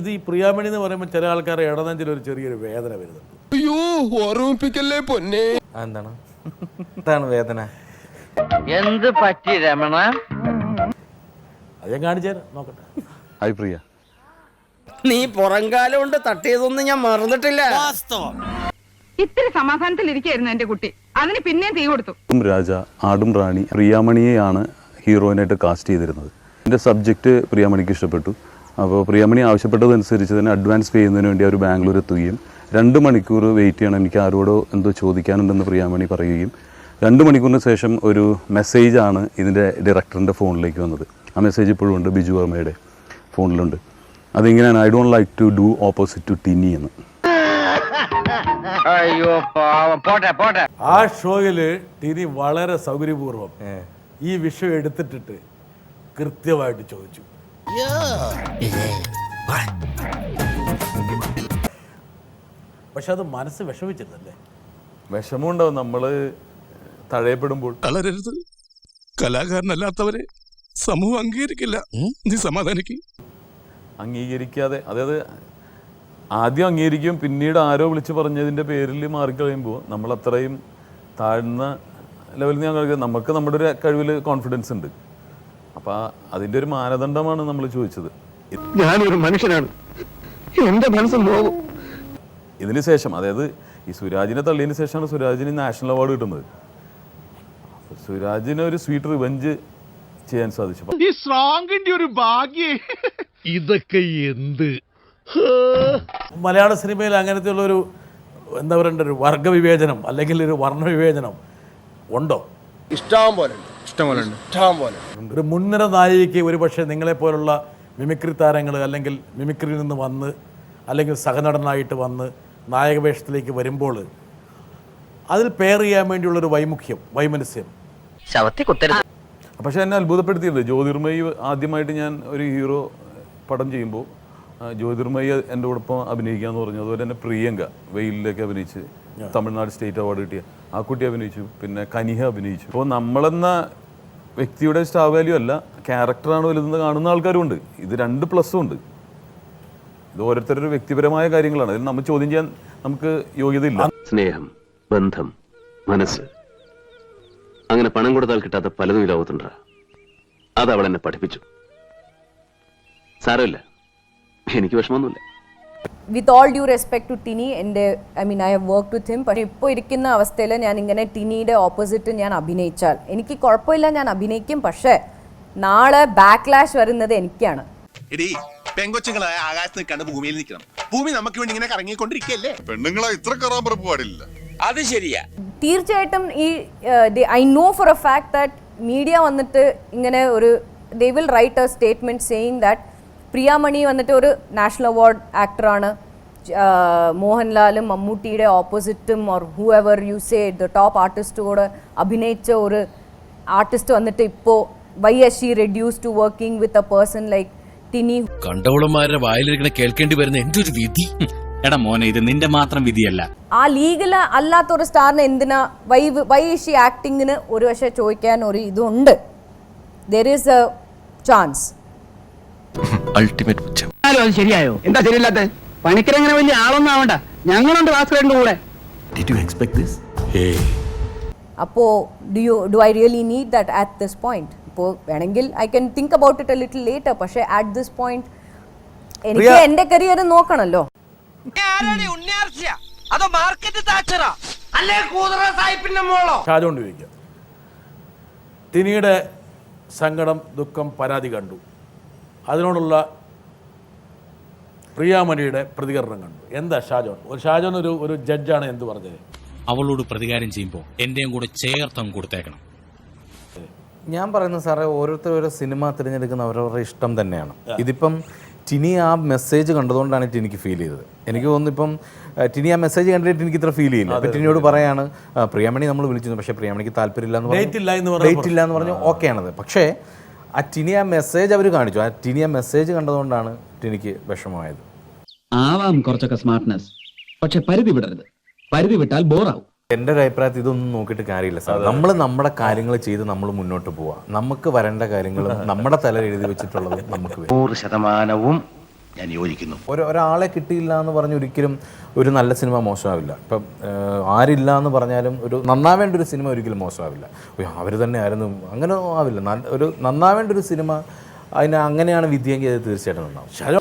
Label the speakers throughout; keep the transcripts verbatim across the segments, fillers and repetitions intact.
Speaker 1: ഇത് ഈ പ്രിയാമണി എന്ന് പറയുമ്പോൾ ചില ആൾക്കാരെ ഇടനെഞ്ചിൽ ഒരു ചെറിയൊരു വേദന വരുന്നുണ്ട്.
Speaker 2: അയ്യോ ഓർമ്മിപ്പിക്കല്ലേ പൊന്നെ.
Speaker 3: എന്താണ് എന്താണ് വേദന?
Speaker 4: എന്ത് പറ്റി രമണ?
Speaker 1: അത് ഞാൻ കാണിച്ചു തരാം, നോക്കട്ടെ.
Speaker 3: ഹായ് പ്രിയ.
Speaker 5: നീ പുറംകാലം കൊണ്ട് തട്ടിയതൊന്നും ഞാൻ മറന്നിട്ടില്ല.
Speaker 6: ഇത്തിരി സമാധാനത്തിലിരിക്കായിരുന്നു എന്റെ കുട്ടി, അതിന് പിന്നെ തീ കൊടുത്തു.
Speaker 7: രാജ, ആടും റാണി, പ്രിയാമണിയെയാണ് ഹീറോയിനായിട്ട് കാസ്റ്റ് ചെയ്തിരുന്നത്. എൻ്റെ സബ്ജക്റ്റ് പ്രിയാമണിക്ക് ഇഷ്ടപ്പെട്ടു. അപ്പോൾ പ്രിയാമണി ആവശ്യപ്പെട്ടതനുസരിച്ച് തന്നെ അഡ്വാൻസ് പേ ചെയ്യുന്നതിന് വേണ്ടി അവർ ബാംഗ്ലൂർ എത്തുകയും രണ്ട് മണിക്കൂർ വെയിറ്റ് ചെയ്യണം, എനിക്ക് ആരോടോ എന്തോ ചോദിക്കാനുണ്ടെന്ന് പ്രിയാമണി പറയുകയും രണ്ട് മണിക്കൂറിന് ശേഷം ഒരു മെസ്സേജാണ് ഇതിൻ്റെ ഡയറക്ടറിൻ്റെ ഫോണിലേക്ക് വന്നത്. ആ മെസ്സേജ് ഇപ്പോഴും ഉണ്ട്, ബിജു വർമ്മയുടെ ഫോണിലുണ്ട്. അതിങ്ങനെയാണ്, I don't like to do opposite to Tiny എന്ന്.
Speaker 4: അയ്യോ പോട്ടെ പോട്ടെ.
Speaker 1: ആ ഷോയിൽ ടിനി വളരെ സൗകര്യപൂർവ്വം ഈ വിഷയം എടുത്തിട്ടിട്ട് കൃത്യമായിട്ട് ചോദിച്ചു. പക്ഷെ അത് മനസ്സ് വിഷമിച്ചിരുന്നല്ലേ?
Speaker 7: വിഷമമുണ്ടാവും നമ്മൾ തഴയപ്പെടുമ്പോൾ.
Speaker 2: തളരരുത്, കലാകാരനല്ലാത്തവരെ സമൂഹം അംഗീകരിക്കില്ല. നീ സമാധാനിക്ക്.
Speaker 7: അംഗീകരിക്കാതെ, അതായത് ആദ്യം അംഗീകരിക്കും, പിന്നീട് ആരോ വിളിച്ച് പറഞ്ഞതിൻ്റെ പേരിൽ മാറിക്കഴിയുമ്പോൾ നമ്മൾ അത്രയും താഴ്ന്ന ലെവലിൽ ഞാൻ കളിക്കുക. നമുക്ക് നമ്മുടെ ഒരു കഴിവിൽ കോൺഫിഡൻസ് ഉണ്ട്. അപ്പം അതിൻ്റെ ഒരു മാനദണ്ഡമാണ് നമ്മൾ ചോദിച്ചത്.
Speaker 5: ഞാനൊരു മനുഷ്യനാണ്, എന്റെ മനസ്സ് നോവും.
Speaker 7: ഇതിന് ശേഷം, അതായത് ഈ സുരാജിനെ തള്ളിയതിന് ശേഷമാണ് സുരാജിന് നാഷണൽ അവാർഡ് കിട്ടുന്നത്. സുരാജിന് ഒരു സ്വീറ്റ് റിവെഞ്ച് ചെയ്യാൻ സാധിച്ചു.
Speaker 8: ഈ സ്ട്രോങ്ങിന്റെ ഒരു ഭാഗ്യേ. ഇതൊക്കെ എന്ത്
Speaker 1: മലയാള സിനിമയിൽ അങ്ങനത്തെ ഉള്ളൊരു എന്താ പറയണ്ട, ഒരു വർഗവിവേചനം അല്ലെങ്കിൽ ഒരു വർണ്ണവിവേചനം ഉണ്ടോ?
Speaker 5: ഇഷ്ടം പോലെ ഇഷ്ടം പോലെ ഇഷ്ടം പോലെ.
Speaker 1: ഒരു മുൻനിര നായികയ്ക്ക് ഒരു പക്ഷേ നിങ്ങളെപ്പോലുള്ള മിമിക്രി താരങ്ങൾ അല്ലെങ്കിൽ മിമിക്രിയിൽ നിന്ന് വന്ന് അല്ലെങ്കിൽ സഹനടനായിട്ട് വന്ന് നായകവേഷത്തിലേക്ക് വരുമ്പോൾ അതിൽ പെയർ ചെയ്യാൻ വേണ്ടിയുള്ളൊരു വൈമുഖ്യം, വൈമനസ്യം.
Speaker 4: ശവത്തി കുത്തരുത്.
Speaker 7: പക്ഷേ എന്നെ അത്ഭുതപ്പെടുത്തിയിട്ടുണ്ട്. ജ്യോതിർമയി ആദ്യമായിട്ട് ഞാൻ ഒരു ഹീറോ പടം ചെയ്യുമ്പോൾ ജ്യോതിർമയി എൻ്റെ കൂടൊപ്പം അഭിനയിക്കുക എന്ന് പറഞ്ഞു. അതുപോലെ തന്നെ പ്രിയങ്ക വെയിലിലേക്ക് അഭിനയിച്ച് തമിഴ്നാട് സ്റ്റേറ്റ് അവാർഡ് കിട്ടിയ ആ കുട്ടി അഭിനയിച്ചു. പിന്നെ കനിഹ അഭിനയിച്ചു. അപ്പോൾ നമ്മളെന്ന വ്യക്തിയുടെ സ്റ്റാർ വാല്യൂ അല്ല, ക്യാരക്ടറാണ് വലുതെന്ന് കാണുന്ന ആൾക്കാരും ഉണ്ട്. ഇത് രണ്ട് പ്ലസ്സും ഉണ്ട്. ഇത് ഓരോരുത്തരുടെ വ്യക്തിപരമായ കാര്യങ്ങളാണ്. അതിൽ നമ്മൾ ചോദ്യം ചെയ്യാൻ നമുക്ക് യോഗ്യതയില്ല.
Speaker 9: സ്നേഹം, ബന്ധം, മനസ്സ്, അങ്ങനെ പണം കൊടുത്താൽ കിട്ടാത്ത പലതും ഈ ലോകത്തുണ്ട്. അത് അവൾ എന്നെ പഠിപ്പിച്ചു. സാരമില്ല, എനിക്ക് വിഷമമൊന്നുമില്ല.
Speaker 10: With all due respect to Tiny, എൻ്റെ I mean I have work with him. പക്ഷേ ഇപ്പോൾ ഇരിക്കുന്ന അവസ്ഥയിൽ ഞാൻ ഇങ്ങനെ ടിനിയുടെ ഓപ്പോസിറ്റ് ഞാൻ അഭിനയിച്ചാൽ എനിക്ക് കുഴപ്പമില്ല, ഞാൻ അഭിനയിക്കും. പക്ഷേ നാളെ ബാക്ക്ലാഷ് വരുന്നത് എനിക്കാണ്.
Speaker 8: പെങ്കൊച്ചുങ്ങളെ ആകാശത്ത് നിൽക്കാണ്ട് ഭൂമിയിൽ നിൽക്കണം. ഭൂമി നമുക്ക് വേണ്ടി ഇങ്ങനെ കറങ്ങിക്കൊണ്ടിരിക്കല്ലേ.
Speaker 2: പെണ്ണുങ്ങളെ ഇത്ര കറാമ്പറപ്പ് പാടില്ല.
Speaker 5: അത് ശരിയാ.
Speaker 10: തീർച്ചയായിട്ടും ഈ I know for a fact that media വന്നിട്ട് ഇങ്ങനെ ഒരു they will write a statement saying that Priyamani വന്നിട്ട് ഒരു നാഷണൽ അവാർഡ് ആക്ടറാണ്, മോഹൻലാലും മമ്മൂട്ടിയുടെ ഓപ്പോസിറ്റും or whoever you say the top ആർട്ടിസ്റ്റോട് അഭിനയിച്ച ഒരു ആർട്ടിസ്റ്റ് വന്നിട്ട് ഇപ്പോൾ why is she reduce to working with a person like Tiny.
Speaker 8: കണ്ടവളന്മാരുടെ വായിലിരിക്കണ കേൾക്കേണ്ടി വരുന്ന എന്റെ ഒരു വിധി. എടാ മോനെ, ഇത് നിന്റെ മാത്രം വിധിയല്ല.
Speaker 10: ആ ലീഗല് അല്ലാത്ത ഒരു സ്റ്റാറിന് എന്തിനാ വൈ വൈ ഷീ ആക്ടിങ്ങിന് ഒരു പക്ഷേ ചോദിക്കാൻ ഒരു ഇതുണ്ട്. There is a chance.
Speaker 8: Ultimate പുച്ഛം.
Speaker 5: അത് ശരിയായോ? എന്താ ശരിയല്ലാത്ത? പണിക്കരങ്ങനെ വലിയ ആളൊന്നും ആവണ്ട, ഞങ്ങളുണ്ട് ഭാസ്കരന്റെ കൂടെ.
Speaker 8: Did you expect this?
Speaker 10: അപ്പോൾ do you do I really need that at this point? ഇപ്പോൾ വേണമെങ്കിൽ I can think about it a little later. പക്ഷേ അറ്റ് ദിസ് പോയിന്റ് എനിക്ക് എൻ്റെ കരിയർ നോക്കണമല്ലോ.
Speaker 1: ഷാജോൺ ചോദിക്കാം, ടിനിയുടെ സങ്കടം, ദുഃഖം, പരാതി കണ്ടു. അതിനോടുള്ള പ്രിയാമണിയുടെ പ്രതികരണം കണ്ടു. എന്താ ഷാജോൺ, ഒരു ഷാജോൺ ഒരു ഒരു ജഡ്ജാണ് എന്ത് പറഞ്ഞത്?
Speaker 8: അവളോട് പ്രതികാരം ചെയ്യുമ്പോൾ എന്റെയും കൂടെ ചേർത്തം കൊടുത്തേക്കണം.
Speaker 3: ഞാൻ പറയുന്നത് സാറേ, ഓരോരുത്തർ ഓരോ സിനിമ തിരഞ്ഞെടുക്കുന്ന അവരവരുടെ ഇഷ്ടം തന്നെയാണ്. ഇതിപ്പം ടിനി ആ മെസ്സേജ് കണ്ടതുകൊണ്ടാണ് ടിനിക്ക് ഫീൽ ചെയ്തത്. എനിക്ക് തോന്നുന്നു ഇപ്പം ടിനി ആ മെസ്സേജ് കണ്ടിട്ട് എനിക്ക് ഇത്ര ഫീൽ ചെയ്യില്ല. അപ്പം ടിനിയോട് പറയാണ്, പ്രിയാമണി നമ്മൾ വിളിച്ചിരുന്നു, പക്ഷേ പ്രിയാമണിക്ക് താല്പര്യമില്ല എന്ന് പറഞ്ഞു, ഡേറ്റ് ഇല്ല എന്ന് പറഞ്ഞു. ഓക്കെയാണത്. പക്ഷേ ആ ടിനി ആ മെസ്സേജ് അവർ കാണിച്ചു. ആ ടിനി ആ മെസ്സേജ് കണ്ടതുകൊണ്ടാണ് ടിനിക്ക് വിഷമമായത്.
Speaker 5: ആവാം കുറച്ചൊക്കെ സ്മാർട്ട്നെസ്, പക്ഷെ പരിധി വിടരുത്. പരിധി വിട്ടാൽ ബോറാവും.
Speaker 3: എൻ്റെ ഒരു അഭിപ്രായത്തിൽ ഇതൊന്നും നോക്കിയിട്ട് കാര്യമില്ല സാർ. നമ്മൾ നമ്മുടെ കാര്യങ്ങൾ ചെയ്ത് നമ്മൾ മുന്നോട്ട് പോവാം. നമുക്ക് വരേണ്ട കാര്യങ്ങളും നമ്മുടെ തല എഴുതി വെച്ചിട്ടുള്ളതും നമുക്ക്
Speaker 4: നൂറ് ശതമാനവും
Speaker 8: ഞാൻ യോജിക്കുന്നു.
Speaker 3: ഒരു ഒരാളെ കിട്ടിയില്ല എന്ന് പറഞ്ഞ് ഒരിക്കലും ഒരു നല്ല സിനിമ മോശമാവില്ല. ഇപ്പം ഏഹ്, ആരില്ല എന്ന് പറഞ്ഞാലും ഒരു നന്നാവേണ്ട ഒരു സിനിമ ഒരിക്കലും മോശമാവില്ല. അവർ തന്നെ ആയിരുന്നു അങ്ങനെ ആവില്ല. നല്ല ഒരു നന്നാവേണ്ട ഒരു സിനിമ അതിന് അങ്ങനെയാണ് വിധിയെങ്കിൽ അത് തീർച്ചയായിട്ടും നന്നാവും.
Speaker 1: ഷാജോൺ,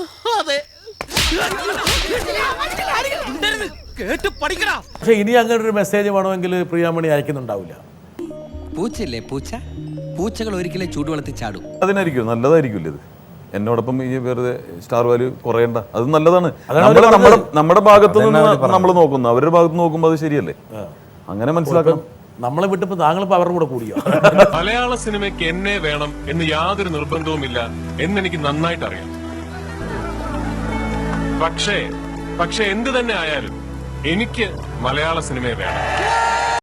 Speaker 1: പക്ഷെ ഇനി അങ്ങനെ ഒരു മെസ്സേജ് വേണമെങ്കിൽ പ്രിയാമണി അയക്കുന്നുണ്ടാവില്ല.
Speaker 8: പൂച്ചല്ലേ പൂച്ച, പൂച്ചകൾ ഒരിക്കലും ചൂടുവെള്ളത്തിൽ ചാടും.
Speaker 7: അതിനായിരിക്കും നല്ലതായിരിക്കില്ല ഇത്. എന്നോടൊപ്പം ഈ വെറുതെ സ്റ്റാർ വാല്യൂ കുറയണ്ട, അത് നല്ലതാണ്.
Speaker 1: അതാണ്
Speaker 7: നമ്മള്
Speaker 1: അവര്
Speaker 7: നമ്മുടെ
Speaker 1: പറഞ്ഞത്.
Speaker 7: നമ്മുടെ ഭാഗത്ത്
Speaker 3: അതന്നെ
Speaker 7: നിന്ന്
Speaker 3: അവര് പറഞ്ഞത്.
Speaker 7: നമ്മൾ നോക്കുന്നു, അവരുടെ ഭാഗത്ത് നോക്കുമ്പോൾ അത് ശരിയല്ലേ? അങ്ങനെ മനസ്സിലാക്കണം.
Speaker 1: നമ്മളെ വിട്ടിപ്പോ താങ്കളിപ്പോ അവരുടെ കൂടെ കൂടിയോ?
Speaker 2: മലയാള സിനിമയ്ക്ക് എന്നെ വേണം എന്ന് യാതൊരു നിർബന്ധവുമില്ല എന്നെനിക്ക് നന്നായിട്ട് അറിയാം. പക്ഷേ പക്ഷെ എന്ത് തന്നെ ആയാലും എനിക്ക് മലയാള സിനിമയെ വേണം.